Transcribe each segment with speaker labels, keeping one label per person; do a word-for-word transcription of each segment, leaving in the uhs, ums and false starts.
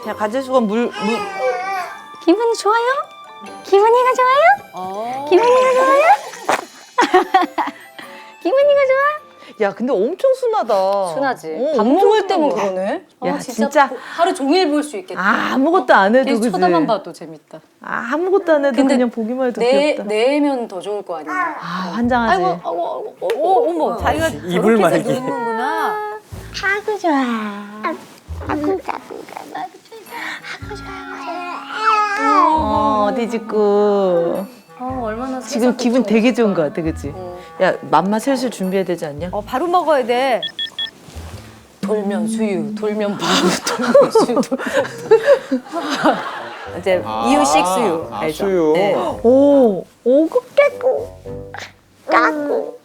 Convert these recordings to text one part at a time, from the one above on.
Speaker 1: 자, 가재수건 물, 물.
Speaker 2: 기분이 좋아요? 기분이가 좋아요?
Speaker 3: 어.
Speaker 2: 기분이가 좋아요? 기분이가 좋아?
Speaker 1: 야, 근데 엄청 순하다.
Speaker 3: 순하지.
Speaker 1: 어,
Speaker 3: 밥
Speaker 1: 엄청
Speaker 3: 먹을 때면
Speaker 1: 순하다.
Speaker 3: 그러네.
Speaker 1: 야,
Speaker 3: 아,
Speaker 1: 진짜.
Speaker 3: 하루 종일 볼 수 있겠다.
Speaker 1: 아, 아무것도 안 해도
Speaker 3: 계속
Speaker 1: 그지?
Speaker 3: 쳐다만 봐도 재밌다.
Speaker 1: 아, 아무것도 안 해도
Speaker 3: 근데
Speaker 1: 그냥 보기만 해도
Speaker 3: 내,
Speaker 1: 귀엽다.
Speaker 3: 내면 더 좋을 거 아니야.
Speaker 1: 아, 환장하지.
Speaker 3: 아이고, 아이고, 아이고, 어, 어머, 자기가
Speaker 4: 이불
Speaker 3: 저렇게
Speaker 4: 말기.
Speaker 3: 해서 누르는구나.
Speaker 2: 아구 좋아. 아구 아구 아구 좋아.
Speaker 1: 어, 어디 짓고.
Speaker 3: 어, 얼마나
Speaker 1: 지금 기분 되게 좋은 거 같아, 그치? 야, 맘마 슬슬 준비해야 되지 않냐?
Speaker 5: 어, 바로 먹어야 돼.
Speaker 3: 돌면 수유, 돌면 바로, 돌면 수유. 돌면 이제 이유식 수유
Speaker 4: 아,
Speaker 3: 알죠?
Speaker 4: 수유.
Speaker 3: 네.
Speaker 1: 오, 오구 깨고. 까고.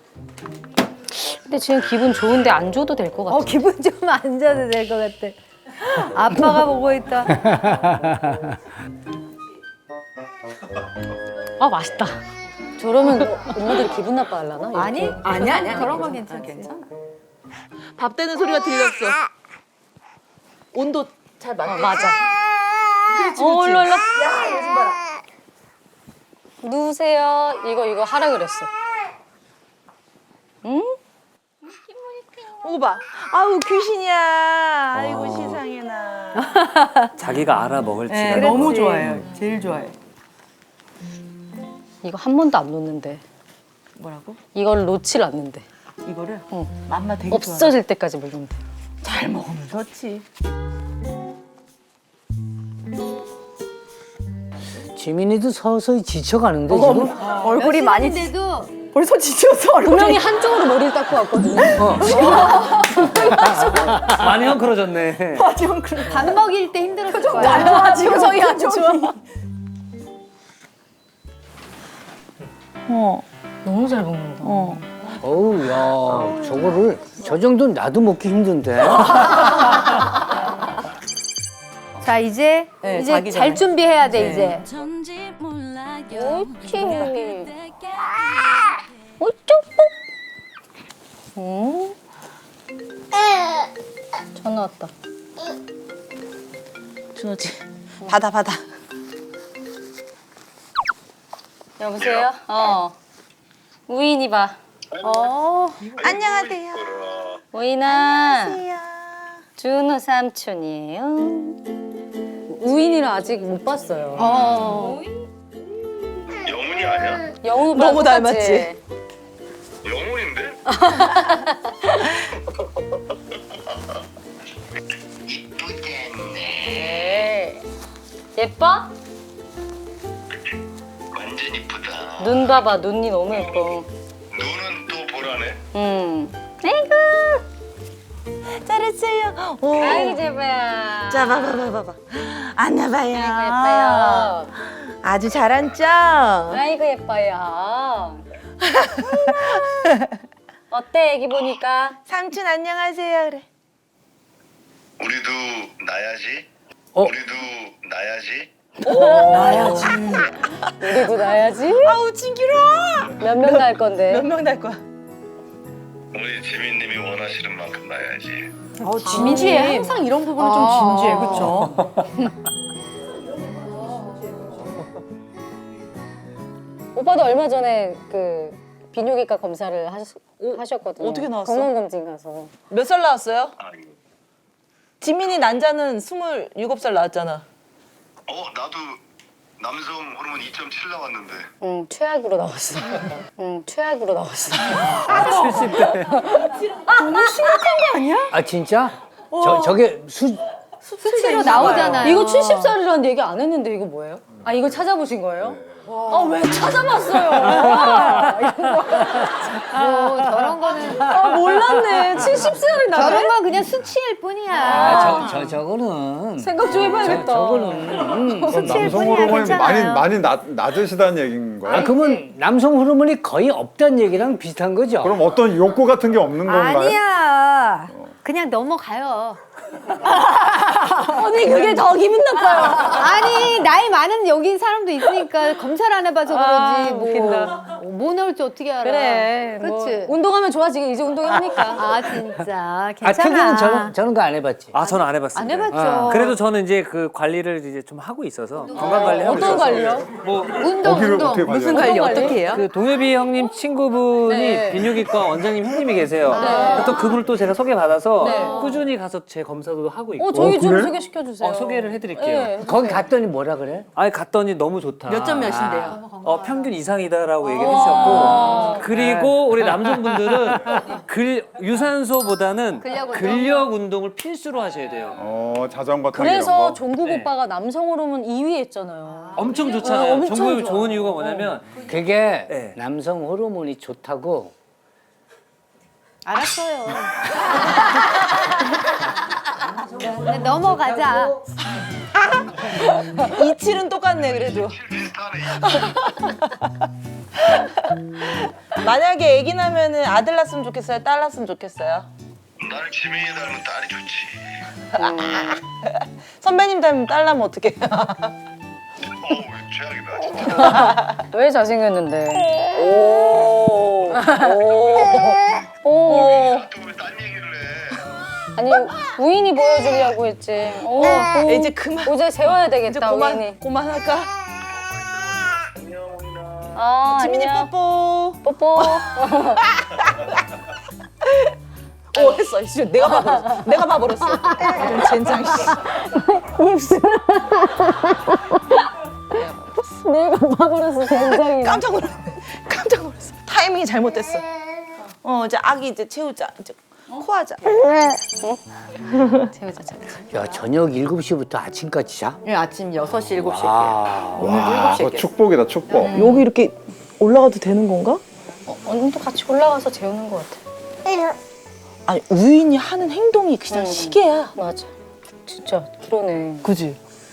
Speaker 3: 근데 지금 기분 좋은데 안 줘도 될 것 같아.
Speaker 5: 어, 기분 좀 안 좋아도 될 것 같아. 아빠가 보고 있다.
Speaker 3: 아 맛있다. 저러면 엄마들이 기분 나빠하려나? 이렇게?
Speaker 5: 아니, 아니, 아니, 그런 건 괜찮아.
Speaker 1: 밥 되는 소리가 들렸어. 온도 잘 맞게.
Speaker 3: 어, 맞아.
Speaker 1: 그렇지,
Speaker 3: 어,
Speaker 1: 그렇지.
Speaker 3: 일로 일로.
Speaker 1: 야, 요즘 봐라.
Speaker 3: 누우세요. 이거 이거 하라 그랬어. 응?
Speaker 1: 오고 봐. 아우, 귀신이야. 아이고, 세상에나.
Speaker 4: 자기가 알아 먹을지가.
Speaker 5: 네, 너무 좋아해요. 제일 좋아해.
Speaker 3: 이거 한 번도 안 놓는데.
Speaker 1: 뭐라고?
Speaker 3: 이걸 놓질 않는데.
Speaker 1: 이거를?
Speaker 3: 응.
Speaker 1: 맘마 되게 좋아.
Speaker 3: 없어질 때까지 먹는데.
Speaker 1: 잘 먹으면 좋지.
Speaker 6: 지민이도 서서히 지쳐가는데 지금?
Speaker 5: 얼굴이 많이
Speaker 2: 데도
Speaker 5: 벌써 지쳤어. 얼굴이.
Speaker 3: 분명히 한쪽으로 머리를 닦고 왔거든요.
Speaker 6: 많이 헝클어졌네.
Speaker 2: 밥 먹일 때 힘들었을 거야.
Speaker 5: 아, 표정이 안 좋아.
Speaker 1: 어,
Speaker 3: 너무 잘 먹는다.
Speaker 1: 어.
Speaker 6: 어우, 야, 저거를 저 정도는 나도 먹기 힘든데.
Speaker 5: 자, 이제
Speaker 1: 네,
Speaker 5: 이제
Speaker 1: 자기
Speaker 5: 잘
Speaker 1: 전에.
Speaker 5: 준비해야 돼,
Speaker 1: 네.
Speaker 5: 이제.
Speaker 3: 옳지. 응? 전화 왔다.
Speaker 1: 준호지. 받아, 받아.
Speaker 3: 여보세요? 어. 우인이 봐.
Speaker 5: 어.
Speaker 1: 안녕하세요.
Speaker 3: 우인아. 준호 삼촌이에요. 우인이를 아직 못 봤어요. 어.
Speaker 7: 영훈이 아니야?
Speaker 3: 영훈 오빠
Speaker 1: 너무 닮았지?
Speaker 7: 영훈인데?
Speaker 3: 네. 예뻐?
Speaker 7: 완전 이쁘다.
Speaker 3: 눈 봐봐. 눈이 너무 예뻐.
Speaker 7: 눈은 또 보라네.
Speaker 3: 응. 아이고.
Speaker 1: 잘했어요. 오.
Speaker 3: 아이고 제발.
Speaker 1: 자, 봐봐, 봐봐, 봐봐. 앉아봐요.
Speaker 3: 아이고 예뻐요.
Speaker 1: 아주 잘 앉죠?
Speaker 3: 아이고 예뻐요. 어때 애기 보니까?
Speaker 1: 삼촌 안녕하세요. 그래.
Speaker 7: 우리도 나야지.
Speaker 6: 어?
Speaker 7: 우리도 나야지.
Speaker 3: 우리도 나야지.
Speaker 1: 아우, 징기로워.
Speaker 3: 몇 명 날 건데?
Speaker 1: 몇 명 날 거야?
Speaker 7: 우리 지민님이 원하시는 만큼 나야지.
Speaker 5: 어,
Speaker 3: 진지해. 항상 이런 부분은 좀 진지해, 그렇죠? 오빠도 얼마 전에 그 비뇨기과 검사를 하셨, 하셨거든요.
Speaker 1: 어떻게 나왔어?
Speaker 3: 건강검진 가서.
Speaker 1: 몇 살 나왔어요?
Speaker 7: 아, 이거.
Speaker 1: 지민이 난자는 스물일곱 살 나왔잖아.
Speaker 7: 어, 나도 남성 호르몬 이 점 칠 나왔는데.
Speaker 3: 응, 최악으로 나왔어. 응, 최악으로 나왔어.
Speaker 6: 칠십 대. 아, 진짜? 저, 저게 수,
Speaker 5: 수치로 나오잖아요.
Speaker 3: 이거 칠십 살이라는 얘기 안 했는데 이거 뭐예요? 아, 이거 찾아보신 거예요? 아, 왜 찾아봤어요?
Speaker 5: 뭐, 저런 거는.
Speaker 3: 아, 몰랐네. 칠십 살이 나네?
Speaker 5: 저런 건 그냥 수치일 뿐이야.
Speaker 6: 아, 저, 저, 저거는.
Speaker 3: 생각 좀 해봐야겠다.
Speaker 6: 저, 저거는. 음.
Speaker 8: 그럼
Speaker 5: 수치일
Speaker 8: 남성
Speaker 5: 뿐이야,
Speaker 8: 호르몬이 많이
Speaker 5: 괜찮아요.
Speaker 8: 많이 낮, 낮으시다는 얘기인 거예요?
Speaker 6: 아, 그러면 남성 호르몬이 거의 없다는 얘기랑 비슷한 거죠?
Speaker 8: 그럼 어떤 욕구 같은 게 없는 건가요?
Speaker 5: 아니야. 그냥 넘어가요.
Speaker 3: 언니, 그게 더 기분 나빠요.
Speaker 5: 아니, 나이 많은 여기 사람도 있으니까 검사를 안 해봐서 그러지. 뭐.
Speaker 3: 웃긴다.
Speaker 2: 뭐 나올지 어떻게 알아?
Speaker 3: 그래. 뭐
Speaker 2: 그치?
Speaker 3: 운동하면 좋아지게 이제 운동하니까.
Speaker 2: 아 진짜
Speaker 6: 아,
Speaker 2: 괜찮아.
Speaker 6: 태균은 저런, 저런 거 안 해봤지?
Speaker 4: 아 저는 안 해봤어요.
Speaker 2: 안 해봤죠.
Speaker 6: 아,
Speaker 4: 그래도 저는 이제 그 관리를 이제 좀 하고 있어서 건강 관리 하고
Speaker 3: 어떤
Speaker 4: 있어서
Speaker 3: 관리요?
Speaker 4: 뭐
Speaker 2: 운동
Speaker 8: 거기를
Speaker 2: 운동.
Speaker 8: 어떻게 관리해요?
Speaker 1: 무슨 관리 어떻게 해요?
Speaker 4: 그 동엽이 형님 친구분이
Speaker 3: 네.
Speaker 4: 비뇨기과 원장님 형님이 계세요.
Speaker 3: 네.
Speaker 4: 또 그분을 또 제가 소개받아서
Speaker 3: 네.
Speaker 4: 꾸준히 가서 제 검사도 하고 있고
Speaker 3: 어, 저희 좀
Speaker 8: 그래?
Speaker 3: 소개시켜 주세요.
Speaker 4: 어, 소개를 해드릴게요.
Speaker 3: 네.
Speaker 6: 거기 갔더니 뭐라 그래?
Speaker 4: 아니 갔더니 너무 좋다.
Speaker 1: 몇 점 몇인데요?
Speaker 4: 어, 평균 이상이다라고 얘기해 주셨고 그리고 우리 남성분들은 글, 유산소보다는
Speaker 2: 근력 운동?
Speaker 4: 근력 운동을 필수로 하셔야 돼요.
Speaker 8: 어 자전거 타기
Speaker 3: 그래서
Speaker 8: 이런 거.
Speaker 3: 종국
Speaker 4: 네.
Speaker 3: 오빠가 남성 호르몬 이 위 했잖아요.
Speaker 4: 엄청 좋잖아요.
Speaker 3: 어, 엄청
Speaker 4: 정말
Speaker 3: 좋아.
Speaker 4: 좋은 이유가 뭐냐면
Speaker 6: 그게
Speaker 4: 네.
Speaker 6: 남성 호르몬이 좋다고.
Speaker 2: 알았어요. 네, 넘어가자.
Speaker 1: 이칠은 똑같네 그래도.
Speaker 7: 비슷하네.
Speaker 1: 만약에 아기 나면은 아들 낳았으면 좋겠어요? 딸 낳았으면 좋겠어요?
Speaker 7: 나는 지명이 닮은 딸이 좋지.
Speaker 1: 선배님 닮으면 딸 낳으면 어떡해요?
Speaker 7: 어우 최악이다 진짜.
Speaker 3: 왜 잘생겼는데?
Speaker 1: 오. 오.
Speaker 3: 오.
Speaker 7: 또왜딴 얘기를 해?
Speaker 3: 아니 우인이 보여주려고 했지. 오, 오.
Speaker 1: 이제 그만.
Speaker 3: 이제 재워야
Speaker 1: 이제
Speaker 3: 되겠다
Speaker 1: 그만.
Speaker 3: 우인이.
Speaker 1: 그만할까?
Speaker 3: 아,
Speaker 1: 지민이
Speaker 3: 안녕.
Speaker 1: 뽀뽀.
Speaker 3: 뽀뽀.
Speaker 1: 오 했어. 씨, 내가 봐버렸어. 내가 봐버렸어. 이런 젠장 씨.
Speaker 3: 내가 봐버렸어 굉장히.
Speaker 1: 깜짝 놀랐네. 깜짝 놀랐어. 타이밍이 잘못됐어. 어 이제 아기 이제 채우자. 이제 코하자.
Speaker 3: 재우자 재우자.
Speaker 6: 야, 저녁 일곱 시부터 아침까지 자?
Speaker 1: 예, 아침 여섯 시 일곱 시 에
Speaker 6: 아,
Speaker 8: 와, 그거 축복이다 축복.
Speaker 1: 여기 이렇게 올라가도 되는 건가?
Speaker 3: 어, 언니도 같이 올라가서 재우는 것 같아.
Speaker 1: 아니 우인이 하는 행동이 그냥
Speaker 3: 응.
Speaker 1: 시계야.
Speaker 3: 맞아. 진짜 그러네.
Speaker 1: 그지?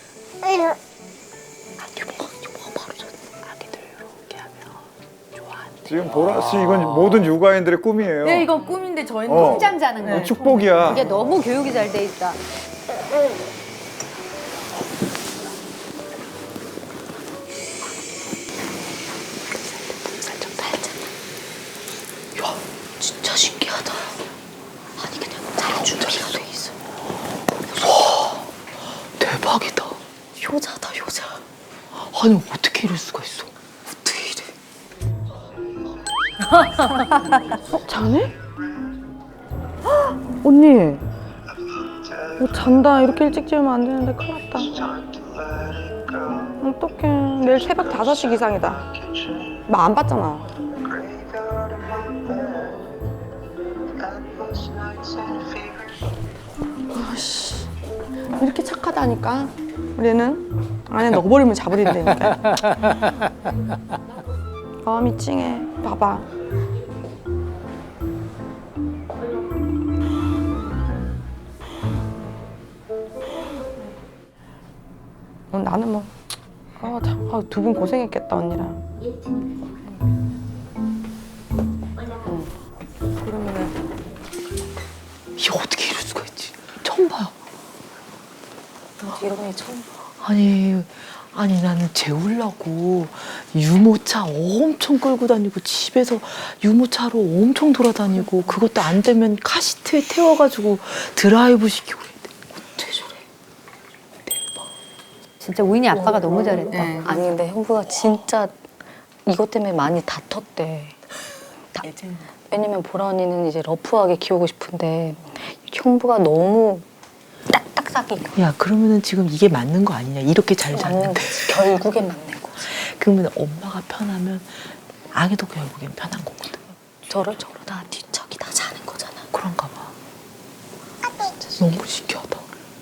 Speaker 8: 지금 보라 씨 이건 모든 육아인들의 꿈이에요.
Speaker 2: 네 이건 꿈인데 저희는
Speaker 8: 어.
Speaker 2: 통장 자는 거예요.
Speaker 8: 어, 축복이야.
Speaker 2: 이게 너무 교육이 잘 돼 있다.
Speaker 3: 진짜 신기하다. 아니 그냥 잘 준비가 돼 있어.
Speaker 1: 대박이다.
Speaker 3: 효자다 효자.
Speaker 1: 아니 어떻게 이럴 수가 있어?
Speaker 3: 어떻게 이래?
Speaker 1: 어, 자네? 언니. 어, 잔다. 이렇게 일찍 재우면 안 되는데 큰일 났다. 어떡해. 내일 새벽 다섯 시 기상이다. 막 안 봤잖아. 아씨. 이렇게 착하다니까. 우리는 안에 넣어버리면 자버린다니까. 마음이 찡해. 봐봐. 어, 나는 뭐, 아, 참, 아, 두 분 고생했겠다, 언니랑. 응. 그러면은, 이게 어떻게 이럴 수가 있지? 처음 봐요.
Speaker 3: 이런 게 처음.
Speaker 1: 아니, 아니 나는 재우려고 유모차 엄청 끌고 다니고 집에서 유모차로 엄청 돌아다니고 그것도 안 되면 카시트에 태워가지고 드라이브 시키고 어째 저래.
Speaker 2: 진짜 우인이 아빠가 너무 잘했다.
Speaker 3: 아니 근데 형부가 진짜 이것 때문에 많이 다퉜대. 다- 왜냐면 보라 언니는 이제 러프하게 키우고 싶은데 형부가 너무 딱딱하게
Speaker 1: 야 그러면은 지금 이게 맞는 거 아니냐 이렇게 잘
Speaker 3: 맞는
Speaker 1: 잤는데
Speaker 3: 거지. 결국엔 맞는 거지.
Speaker 1: 그러면 엄마가 편하면 아기도 결국엔 편한 거거든.
Speaker 3: 저러 저러다 뒤척이 다 자는 거잖아.
Speaker 1: 그런가 봐. 너무 신기하다.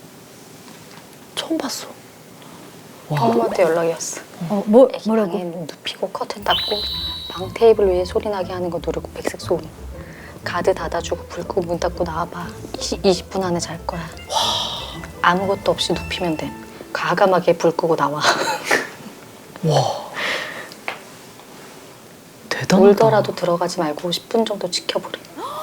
Speaker 1: 처음 봤어. 와.
Speaker 3: 형부한테 연락이 왔어.
Speaker 2: 어, 뭐
Speaker 3: 애기
Speaker 2: 뭐라고?
Speaker 3: 방에 눕히고 커튼 닫고 방 테이블 위에 소리 나게 하는 거 누르고 백색 소음. 가드 닫아주고 불 끄고 문 닫고 나와봐. 이십 분 안에 잘 거야. 아무것도 없이 눕히면 돼. 과감하게 불 끄고 나와.
Speaker 1: 와. 대단하다.
Speaker 3: 울더라도 들어가지 말고 십 분 정도 지켜보래.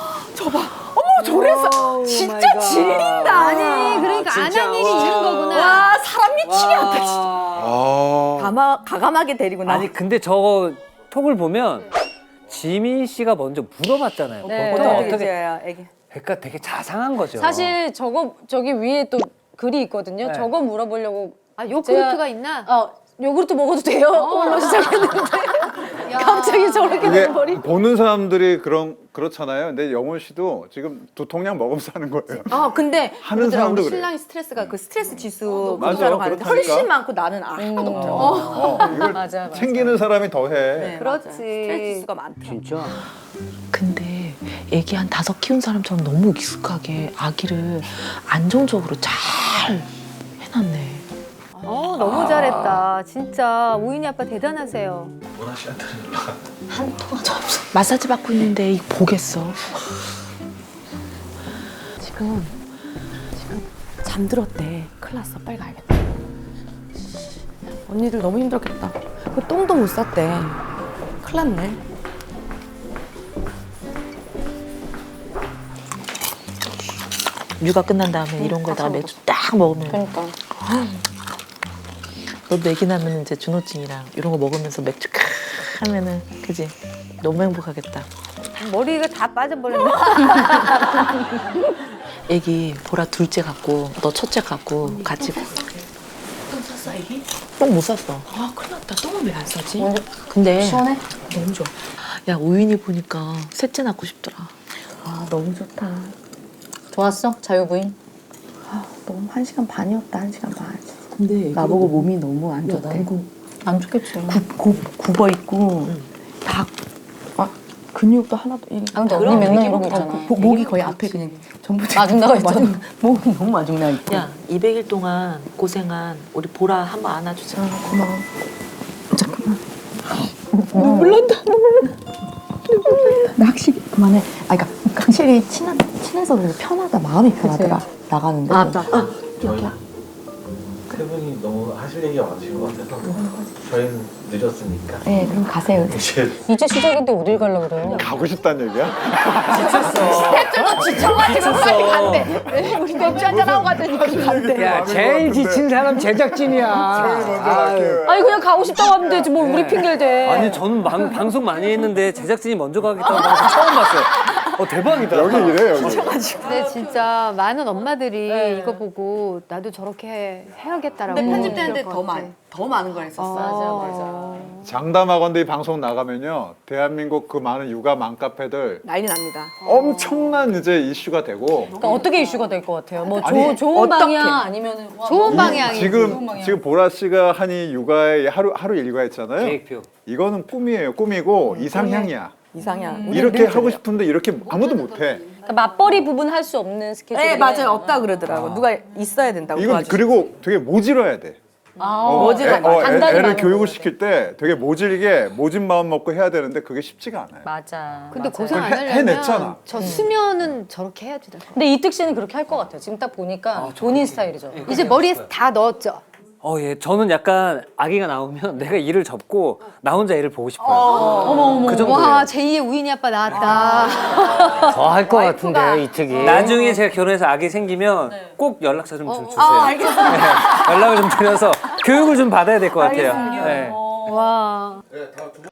Speaker 1: 저래서 진짜 질린다.
Speaker 2: 아니 그러니까 안 한 일이 있는 거구나.
Speaker 1: 사람 미치게 하다 진짜.
Speaker 8: 아.
Speaker 1: 가마, 가감하게 데리고 나.
Speaker 4: 아니 근데 저 톡을 보면 지민 씨가 먼저 물어봤잖아요.
Speaker 2: 네.
Speaker 4: 보통
Speaker 5: 어떻게
Speaker 4: 어떻게?
Speaker 5: 지어요, 애기?
Speaker 4: 그러니까 되게 자상한 거죠.
Speaker 9: 사실 저거 저기 위에 또 글이 있거든요.
Speaker 4: 네.
Speaker 9: 저거 물어보려고
Speaker 2: 아, 요구르트가 있나?
Speaker 9: 어 요구르트 먹어도 돼요? 오늘 시작했는데 갑자기 저렇게
Speaker 8: 이게
Speaker 9: 돼버리.
Speaker 8: 보는 사람들이 그런 그렇잖아요. 근데 영원 씨도 지금 두 통량 먹으면서 하는 거예요.
Speaker 5: 아 근데
Speaker 8: 하는
Speaker 5: 그러더라,
Speaker 8: 사람도
Speaker 5: 우리
Speaker 8: 그래.
Speaker 5: 신랑이 스트레스가 그 스트레스 지수
Speaker 8: 맞아,
Speaker 5: 검사로 가는데
Speaker 8: 그렇다니까.
Speaker 5: 훨씬 많고 나는 하나도 없더라고.
Speaker 8: 어, 이걸
Speaker 9: 맞아, 맞아.
Speaker 8: 챙기는 사람이 더 해.
Speaker 5: 네,
Speaker 2: 그렇지.
Speaker 5: 맞아. 스트레스 지수가 많다.
Speaker 6: 진짜.
Speaker 1: 근데 애기 한 다섯 키운 사람처럼 너무 익숙하게 아기를 안정적으로 잘 해놨네.
Speaker 2: 어, 너무 잘했다. 진짜 우인이 아빠 대단하세요.
Speaker 1: 한 통화 없어. 마사지 받고 있는데 이거 보겠어. 지금 지금 잠들었대. 큰일 났어. 빨리 가야겠다.
Speaker 5: 언니들 너무 힘들었겠다. 그 똥도 못 쌌대. 큰일 났네.
Speaker 1: 육아 끝난 다음에 이런 거에다가 맥주 딱 먹으면
Speaker 3: 그러니까
Speaker 1: 너도 애기 낳으면 이제 준호증이랑 이런 거 먹으면서 맥주 크 하면은 그지? 너무 행복하겠다.
Speaker 2: 머리가 다 빠져버렸네.
Speaker 1: 애기 보라 둘째 갖고 너 첫째 갖고 같이 똥 쌌어 애기? 똥 못 쌌어. 아 큰일 났다. 똥을 왜 안 싸지? 근데
Speaker 3: 시원해?
Speaker 1: 너무 좋아. 야 우인이 보니까 셋째 낳고 싶더라.
Speaker 5: 아 너무 좋다.
Speaker 3: 좋았어? 자유부인?
Speaker 5: 너무 한 시간 반이었다. 한 시간 반.
Speaker 1: 근데
Speaker 5: 나보고 몸이 너무 안 좋대.
Speaker 3: 안 좋겠지.
Speaker 5: 구, 구, 굽어 있고 다 막 근육도 하나도 이-
Speaker 3: 아 근데 언니
Speaker 1: 그럼
Speaker 3: 맨날
Speaker 1: 되게
Speaker 3: 이러고
Speaker 1: 어,
Speaker 3: 있잖아.
Speaker 5: 목- 목이 거의 앞에 그냥 전부
Speaker 3: 마중나가 있잖아.
Speaker 5: 마중- 목이 너무 마중나 있고.
Speaker 1: 야 이백 일 동안 고생한 우리 보라 한번 안아주자.
Speaker 5: 아, 고마워. 잠깐만.
Speaker 1: 눈물 난다.
Speaker 5: 나 확실히 그만해. 아, 그러니까 확실히 친한 친해서 그래서 편하다. 마음이 편하더라. 나가는데.
Speaker 9: 아, 나, 아,
Speaker 10: 세 분이 너무 하실 얘기가 많으신 것 같아서 저희는 늦었으니까
Speaker 5: 네, 그럼 가세요.
Speaker 10: 이제
Speaker 3: 이제 시작인데 어딜 가려고 그래요?
Speaker 8: 가고 싶다는 얘기야?
Speaker 2: 우리 맥주 한잔 하고 가자니까.
Speaker 6: 야, 제일 지친 사람 제작진이야.
Speaker 8: 먼저 갈게요.
Speaker 9: 아니 그냥 가고 싶다고 하면 되지 뭐 우리 핑계를 대.
Speaker 4: 아니 저는 방, 방송 많이 했는데 제작진이 먼저 가겠다는 방송 처음 봤어요. 어 대박이다.
Speaker 8: 여기 이래 여기.
Speaker 2: 근데 진짜 많은 엄마들이 이거 보고 나도 저렇게 해야겠다라고.
Speaker 5: 근데 편집되는데
Speaker 2: 그럴
Speaker 5: 더
Speaker 2: 것 같아.
Speaker 5: 많, 더 많은 걸 했었어.
Speaker 2: 맞아,
Speaker 8: 장담하건대 이 방송 나가면요 대한민국 그 많은 육아 맘카페들
Speaker 5: 난리 납니다.
Speaker 8: 엄청난 이제 이슈가 되고
Speaker 9: 그러니까 어떻게 이슈가 될 것 같아요? 뭐
Speaker 8: 아니,
Speaker 9: 조, 좋은
Speaker 5: 어떻게?
Speaker 9: 방향 아니면은 와,
Speaker 2: 좋은
Speaker 8: 이-
Speaker 2: 방향이지.
Speaker 8: 지금 지금 보라 씨가 한 이 육아의 하루 하루 일과 있잖아요.
Speaker 4: 계획표.
Speaker 8: 이거는 꿈이에요. 꿈이고 이상향이야.
Speaker 5: 이상향.
Speaker 8: 이렇게 하고 싶은데 이렇게 아무도 못해.
Speaker 9: 그러니까 맞벌이 부분 할 수 없는 스케줄.
Speaker 5: 네, 맞아요. 없다 그러더라고. 누가 있어야 된다고.
Speaker 8: 이건
Speaker 5: 도와주실
Speaker 8: 그리고 되게 모질어야 돼. 어,
Speaker 5: 모질어.
Speaker 8: 애, 어, 애,
Speaker 9: 단단히
Speaker 8: 애를
Speaker 9: 많은
Speaker 8: 교육을
Speaker 9: 거지.
Speaker 8: 시킬 때 되게 모질게 모진 마음 먹고 해야 되는데 그게 쉽지가 않아요.
Speaker 9: 맞아.
Speaker 2: 근데
Speaker 9: 맞아요.
Speaker 2: 고생 안
Speaker 8: 해-
Speaker 2: 하려면
Speaker 8: 해냈잖아.
Speaker 2: 저 수면은 저렇게 해야지.
Speaker 9: 근데 이특 씨는 그렇게 할 것 같아요. 지금 딱 보니까 본인 스타일이죠.
Speaker 2: 이제 머리에 다 넣었죠.
Speaker 4: 어, 예. 저는 약간 아기가 나오면 내가 일을 접고 나 혼자 일을 보고 싶어요.
Speaker 2: 어머 어머.
Speaker 4: 그 정도예요.
Speaker 2: 와 제이의 우인이 아빠 나왔다.
Speaker 6: 더 할 것 같은데요, 이 특이.
Speaker 4: 나중에 제가 결혼해서 아기 생기면 꼭 연락처 좀, 좀 주세요.
Speaker 2: 아 알겠어.
Speaker 4: 네, 연락을 좀 드려서 교육을 좀 받아야 될 것 같아요. 네.
Speaker 2: 와.
Speaker 10: 네, 다 두